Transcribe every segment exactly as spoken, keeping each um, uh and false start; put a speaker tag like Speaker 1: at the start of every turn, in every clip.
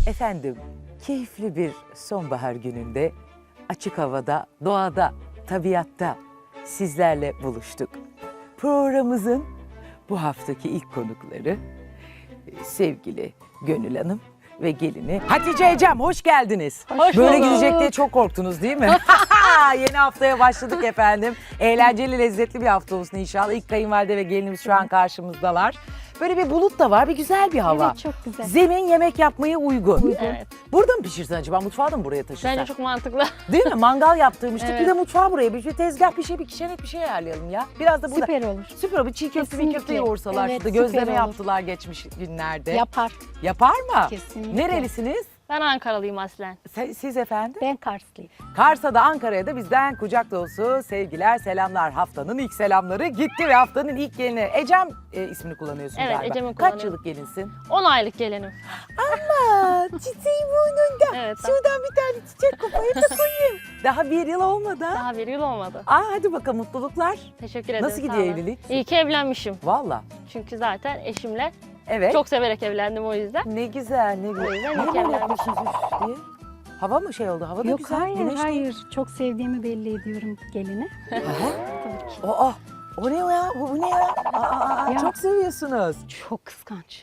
Speaker 1: Efendim, keyifli bir sonbahar gününde, açık havada, doğada, tabiatta sizlerle buluştuk. Programımızın bu haftaki ilk konukları e, sevgili Gönül Hanım ve gelini Hatice Ecem, hoş geldiniz.
Speaker 2: Hoş
Speaker 1: Böyle
Speaker 2: bulduk.
Speaker 1: gidecek diye çok korktunuz değil mi? Yeni haftaya başladık efendim. Eğlenceli, lezzetli bir hafta olsun inşallah. İlk kayınvalide ve gelinimiz şu an karşımızdalar. Böyle bir bulut da var, bir güzel bir hava.
Speaker 2: Evet, çok güzel.
Speaker 1: Zemin yemek yapmaya uygun.
Speaker 2: Evet.
Speaker 1: Burada mı pişirsen acaba? Mutfağı da mı buraya taşırsan?
Speaker 2: Bence çok mantıklı.
Speaker 1: Değil mi? Mangal yaptırmıştık.
Speaker 2: Evet.
Speaker 1: Bir de mutfağı buraya. Bir, bir tezgah, bir şey, bir kişenet bir şey ayarlayalım ya. Biraz da burada.
Speaker 2: Süper olur.
Speaker 1: Süper olur. Çiğ köfte, bir köfte
Speaker 2: Kesinlikle.
Speaker 1: yoğursalar.
Speaker 2: Evet,
Speaker 1: şurada
Speaker 2: süper
Speaker 1: gözleme
Speaker 2: olur.
Speaker 1: yaptılar geçmiş günlerde.
Speaker 2: Yapar.
Speaker 1: Yapar mı?
Speaker 2: Kesinlikle.
Speaker 1: Nerelisiniz?
Speaker 3: Ben Ankaralıyım aslen.
Speaker 1: Se- Siz efendim?
Speaker 2: Ben Karslıyım.
Speaker 1: Kars'a da Ankara'ya da bizden kucak dolusu sevgiler, selamlar. Haftanın ilk selamları gitti ve haftanın ilk gelini. Ecem e, ismini kullanıyorsun
Speaker 3: Evet,
Speaker 1: galiba.
Speaker 3: Ecem'i
Speaker 1: Kaç
Speaker 3: kullanıyorum.
Speaker 1: yıllık gelinsin?
Speaker 3: on aylık gelinim.
Speaker 1: Aa, çiçeği burnunda.
Speaker 3: Evet.
Speaker 1: Şuradan bir tane çiçek koparıp da koyayım. Daha bir yıl olmadı ha?
Speaker 3: Daha bir yıl olmadı.
Speaker 1: Aa, hadi bakalım, mutluluklar.
Speaker 3: Teşekkür ederim.
Speaker 1: Nasıl
Speaker 3: sağ
Speaker 1: gidiyor
Speaker 3: olun.
Speaker 1: evlilik?
Speaker 3: İyi ki evlenmişim.
Speaker 1: Valla.
Speaker 3: Çünkü zaten eşimle
Speaker 1: Evet.
Speaker 3: çok severek evlendim o yüzden.
Speaker 1: Ne güzel, ne güzel.
Speaker 3: O yüzden
Speaker 1: Niye böyle
Speaker 3: mükemmel.
Speaker 1: yapmışsınız üf diye? Hava mı şey oldu? Hava da
Speaker 4: Yok
Speaker 1: güzel.
Speaker 4: hayır
Speaker 1: güneş de-
Speaker 4: hayır. Çok sevdiğimi belli ediyorum geline.
Speaker 1: Aha.
Speaker 4: Tabii ki.
Speaker 1: Aa, o ne o ya? Bu, bu ne ya? Aa, aa, aa,
Speaker 4: Ya.
Speaker 1: Çok seviyorsunuz.
Speaker 4: Çok kıskanç.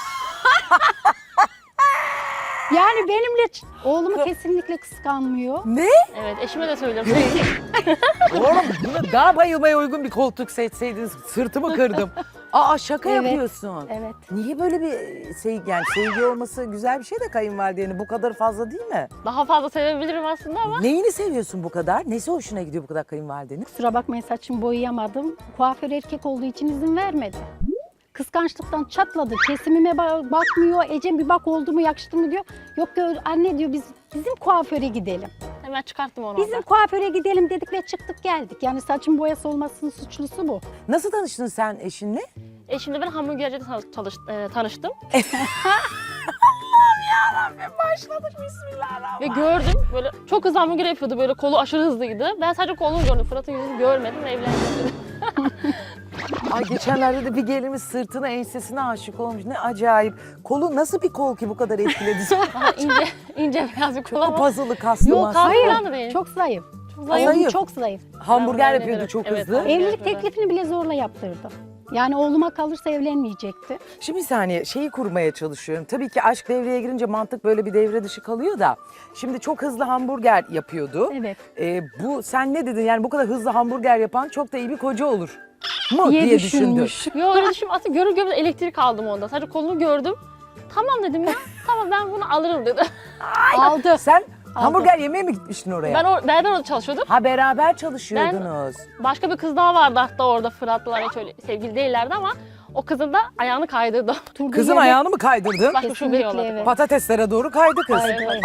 Speaker 4: Yani benimle ç- oğlumu kesinlikle kıskanmıyor.
Speaker 1: Ne?
Speaker 3: Evet, eşime de söylüyorum.
Speaker 1: Oğlum buna daha bayılmaya uygun bir koltuk seçseydiniz sırtımı kırdım. Aa, şaka
Speaker 4: Evet.
Speaker 1: yapıyorsun.
Speaker 4: Evet.
Speaker 1: Niye böyle bir sevgi, yani sevgi olması güzel bir şey de kayınvalidenin bu kadar fazla değil mi?
Speaker 3: Daha fazla sevebilirim aslında ama
Speaker 1: Neyini seviyorsun bu kadar? Nesi hoşuna gidiyor bu kadar kayınvalidenin?
Speaker 4: Kusura bakmayın saçımı boyayamadım. Kuaför erkek olduğu için izin vermedi. Kıskançlıktan çatladı. Kesimime ba- bakmıyor. Ecem bir bak oldu mu yakıştı mı diyor. Yok diyor anne diyor biz bizim kuaföre gidelim.
Speaker 3: hemen çıkarttım onu
Speaker 4: Bizim
Speaker 3: oradan.
Speaker 4: kuaföre gidelim dedik ve çıktık geldik. Yani saçın boyası olmasının suçlusu bu.
Speaker 1: Nasıl tanıştın sen eşinle?
Speaker 3: Eşimle ben hamburgercide tanış- çalış- e, tanıştım.
Speaker 1: Başladık, bismillahirrahmanirrahim.
Speaker 3: Ve gördüm böyle çok hızlı hamburger yapıyordu, böyle kolu aşırı hızlıydı. Ben sadece kolunu gördüm, Fırat'ın yüzünü görmedim ve evlendim.
Speaker 1: Ay, geçenlerde de bir gelinimiz sırtına, ensesine aşık olmuş. Ne acayip. Kolu nasıl bir kol ki bu kadar etkiledi?
Speaker 3: Daha ince, ince beyaz bir kol
Speaker 1: Çok
Speaker 3: ama.
Speaker 1: puzzle'lı, kaslı
Speaker 3: Yok,
Speaker 1: maslı.
Speaker 3: kas
Speaker 4: Hayır.
Speaker 3: falan da değil.
Speaker 4: Çok zayıf.
Speaker 3: Çok
Speaker 1: zayıf.
Speaker 4: Oğlum
Speaker 1: Zayıf.
Speaker 4: çok zayıf.
Speaker 1: Hamburger
Speaker 3: Ben
Speaker 1: yapıyordu
Speaker 3: öyle-
Speaker 1: çok
Speaker 3: evet,
Speaker 1: hızlı.
Speaker 3: hamburger
Speaker 4: Evlilik
Speaker 3: yapıyordu.
Speaker 4: teklifini bile zorla yaptırdı. Yani oğluma kalırsa evlenmeyecekti.
Speaker 1: Şimdi bir saniye, şeyi kurmaya çalışıyorum. Tabii ki aşk devreye girince mantık böyle bir devre dışı kalıyor da. Şimdi çok hızlı hamburger yapıyordu.
Speaker 4: Evet.
Speaker 1: Ee, bu sen ne dedin? Yani bu kadar hızlı hamburger yapan çok da iyi bir koca olur mu diye,
Speaker 4: diye
Speaker 1: düşündün.
Speaker 4: düşünmüş.
Speaker 3: Yo öyle düşünme. Aslında görür görmez elektrik aldım onda. Sadece kolunu gördüm. Tamam dedim ya. Tamam ben bunu alırım dedi.
Speaker 4: Aldı.
Speaker 1: Sen hamburger yemeye mi gitmiştin oraya?
Speaker 3: Ben or beraber orada çalışıyorduk.
Speaker 1: Ha, beraber çalışıyordunuz.
Speaker 3: Başka bir kız daha vardı hatta orada, Fırat'la hiç öyle sevgili değillerdi ama o kızın da ayağını kaydırdı.
Speaker 4: Turduğu
Speaker 1: Kızın
Speaker 4: yerde-
Speaker 1: ayağını mı kaydırdın?
Speaker 3: Başka şubeye
Speaker 4: Kesinlikle
Speaker 3: yolladı.
Speaker 4: evet.
Speaker 1: Patateslere doğru kaydı kız.
Speaker 3: Evet, evet.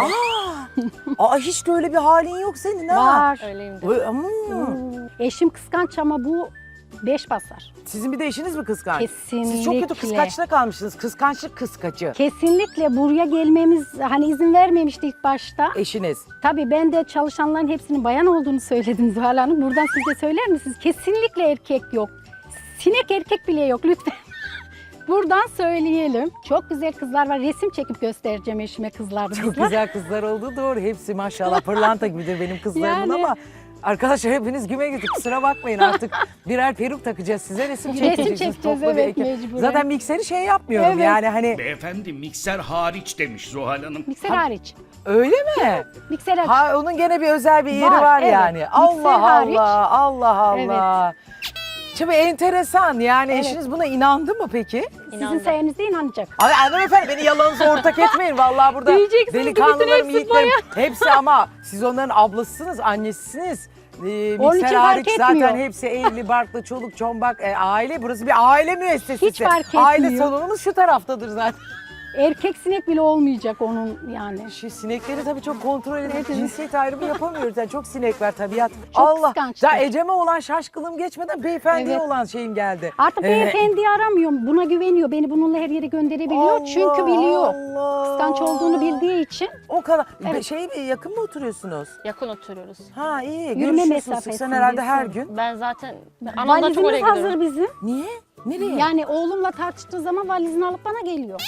Speaker 1: Aa, hiç de öyle bir halin yok senin ha.
Speaker 4: Var.
Speaker 3: Öyleyimdi.
Speaker 1: Vay, hmm.
Speaker 4: Eşim kıskanç ama bu beş basar.
Speaker 1: Sizin bir de eşiniz mi kıskanç?
Speaker 4: Kesinlikle.
Speaker 1: Siz çok kötü kıskaçta kalmışsınız. Kıskançlık kıskacı.
Speaker 4: Kesinlikle buraya gelmemiz hani izin vermemişti ilk başta.
Speaker 1: Eşiniz.
Speaker 4: Tabii ben de çalışanların hepsinin bayan olduğunu söyledim Zuhal Hanım. Buradan siz de söyler misiniz? Kesinlikle erkek yok. Sinek erkek bile yok lütfen. Buradan söyleyelim. Çok güzel kızlar var. Resim çekip göstereceğim eşime kızlarımızla.
Speaker 1: Çok güzel kızlar oldu, doğru. Hepsi maşallah pırlanta gibidir benim kızlarımın
Speaker 4: Yani.
Speaker 1: ama arkadaşlar hepiniz güme gidip kusura bakmayın artık birer peruk takacağız size, resim
Speaker 4: Resim
Speaker 1: çekeceksiniz.
Speaker 4: çekeceğiz,
Speaker 1: toplu bir
Speaker 4: evet,
Speaker 1: ekip.
Speaker 4: mecburen.
Speaker 1: Zaten mikseri şey yapmıyorum
Speaker 4: Evet.
Speaker 1: yani hani
Speaker 5: Beyefendi mikser hariç demiş Zuhal Hanım.
Speaker 4: Mikser hariç.
Speaker 1: öyle mi?
Speaker 4: Mikser hariç.
Speaker 1: Ha, onun gene bir özel bir yeri var,
Speaker 4: Var, evet.
Speaker 1: yani.
Speaker 4: Mikser
Speaker 1: Allah
Speaker 4: hariç.
Speaker 1: Allah, Allah Allah. Şimdi enteresan yani,
Speaker 4: Evet.
Speaker 1: eşiniz buna inandı mı peki?
Speaker 4: Sizin
Speaker 3: İnandım.
Speaker 4: sayenizde inanacak.
Speaker 1: Ay hanımefendi, beni yalanınıza ortak etmeyin. Vallahi burada
Speaker 3: Diyeceksiniz ki
Speaker 1: delikanlılarım,
Speaker 3: bütün hepsi
Speaker 1: yiğitlerim hepsi ama siz onların ablasısınız, annesisiniz. Ee,
Speaker 4: Onun
Speaker 1: mikser
Speaker 4: için
Speaker 1: hariç
Speaker 4: fark
Speaker 1: zaten
Speaker 4: etmiyor.
Speaker 1: hepsi evli, barklı, çoluk, çombak, e, aile. Burası bir aile müessesesi.
Speaker 4: Hiç fark
Speaker 1: Aile
Speaker 4: etmiyor.
Speaker 1: salonumuz şu taraftadır zaten.
Speaker 4: Erkek sinek bile olmayacak onun yani.
Speaker 1: Şu sinekleri tabii çok kontrol edip
Speaker 4: Evet.
Speaker 1: cinsiyet ayrımı yapamıyoruz. Yani çok sinek var, tabiat.
Speaker 4: Çok
Speaker 1: Allah.
Speaker 4: kıskançlar.
Speaker 1: Daha Ecem'e olan şaşkınlığım geçmeden beyefendiye
Speaker 4: Evet.
Speaker 1: olan şeyim geldi.
Speaker 4: Artık
Speaker 1: Ee,
Speaker 4: beyefendiyi aramıyorum. Buna güveniyor. Beni bununla her yere gönderebiliyor.
Speaker 1: Allah
Speaker 4: Çünkü biliyor.
Speaker 1: Allah.
Speaker 4: Kıskanç olduğunu bildiği için
Speaker 1: O kadar.
Speaker 4: Evet.
Speaker 1: Şey, yakın mı oturuyorsunuz?
Speaker 3: Yakın oturuyoruz.
Speaker 1: Ha, iyi.
Speaker 4: Yürüme
Speaker 1: Görüşüyorsunuz. Sen
Speaker 4: mesafesinde
Speaker 1: herhalde her
Speaker 4: son.
Speaker 1: gün.
Speaker 3: Ben zaten anamdan çok oraya
Speaker 4: valizimiz
Speaker 3: gidiyorum.
Speaker 4: hazır bizim.
Speaker 1: Niye? Nereye?
Speaker 4: Yani oğlumla tartıştığı zaman valizini alıp bana geliyor.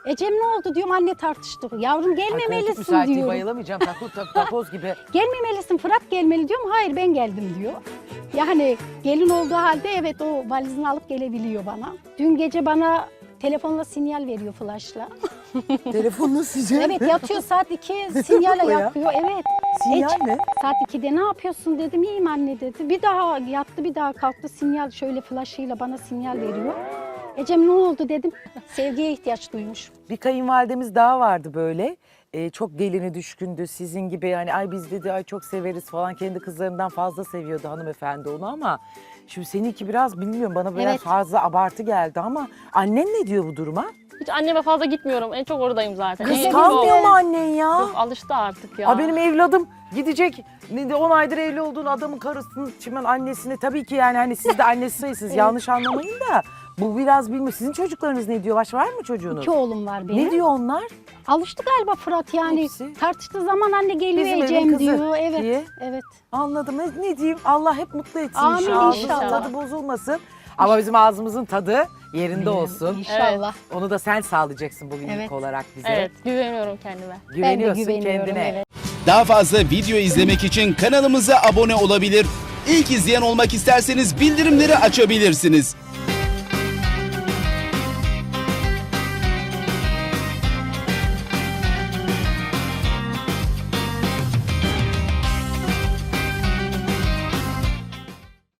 Speaker 4: Ecem ne oldu diyorum, anne tartıştık. Yavrum
Speaker 1: Ay, koltuk
Speaker 4: gelmemelisin
Speaker 1: müsait değil,
Speaker 4: diyorum.
Speaker 1: bayılamayacağım. Takoz, tak- takoz gibi.
Speaker 4: Gelmemelisin, Fırat gelmeli diyorum. Hayır ben geldim diyor. Yani gelin olduğu halde evet o valizini alıp gelebiliyor bana. Dün gece bana telefonla sinyal veriyor flaşla.
Speaker 1: Telefonunu sıcak.
Speaker 4: Evet yatıyor saat iki sinyal
Speaker 1: Bu ya?
Speaker 4: yapıyor. Evet.
Speaker 1: Sinyal
Speaker 4: Ece-
Speaker 1: ne?
Speaker 4: Saat ikide ne yapıyorsun dedim. İyiyim anne dedi. Bir daha yattı, bir daha kalktı, sinyal şöyle flaşıyla bana sinyal veriyor. Ecem ne oldu dedim. Sevgiye ihtiyaç duymuş.
Speaker 1: Bir kayınvalidemiz daha vardı böyle. Ee, çok gelini düşkündü. Sizin gibi yani ay biz dedi ay çok severiz falan. Kendi kızlarından fazla seviyordu hanımefendi onu ama şimdi seninki biraz bilmiyorum bana biraz
Speaker 4: Evet.
Speaker 1: fazla abartı geldi ama annen ne diyor bu duruma?
Speaker 3: Hiç anneme fazla gitmiyorum. En çok oradayım zaten. En iyisi
Speaker 1: Kıskanmıyor
Speaker 3: o.
Speaker 1: mu annen ya?
Speaker 3: Yok, alıştı artık ya.
Speaker 1: Aa, benim evladım gidecek on aydır evli olduğun adamın karısının şimdi annesine tabii ki yani hani siz de annesi sayısınız yanlış anlamayın da bu biraz bilmiyor. Sizin çocuklarınız ne diyor? Baş var mı çocuğunuz?
Speaker 4: İki oğlum var benim.
Speaker 1: Ne diyor onlar?
Speaker 4: Alıştı galiba Fırat yani.
Speaker 1: Hepsi.
Speaker 4: Tartıştığı zaman anne geliyor
Speaker 1: Bizim evin
Speaker 4: Ecem
Speaker 1: kızı
Speaker 4: diyor. Evet.
Speaker 1: diye.
Speaker 4: Evet.
Speaker 1: Anladım. Ne, ne diyeyim? Allah hep mutlu etsin
Speaker 4: Amin
Speaker 1: inşallah.
Speaker 4: inşallah.
Speaker 1: Tadı bozulmasın. Ama bizim ağzımızın tadı yerinde olsun.
Speaker 4: İnşallah.
Speaker 1: Onu da sen sağlayacaksın bugün
Speaker 4: Evet.
Speaker 1: ilk olarak bize.
Speaker 3: Evet, güveniyorum kendime.
Speaker 1: Güveniyorsun
Speaker 4: ben de güveniyorum.
Speaker 1: kendine.
Speaker 4: Evet.
Speaker 2: Daha fazla video izlemek için kanalımıza abone olabilir. İlk izleyen olmak isterseniz bildirimleri açabilirsiniz.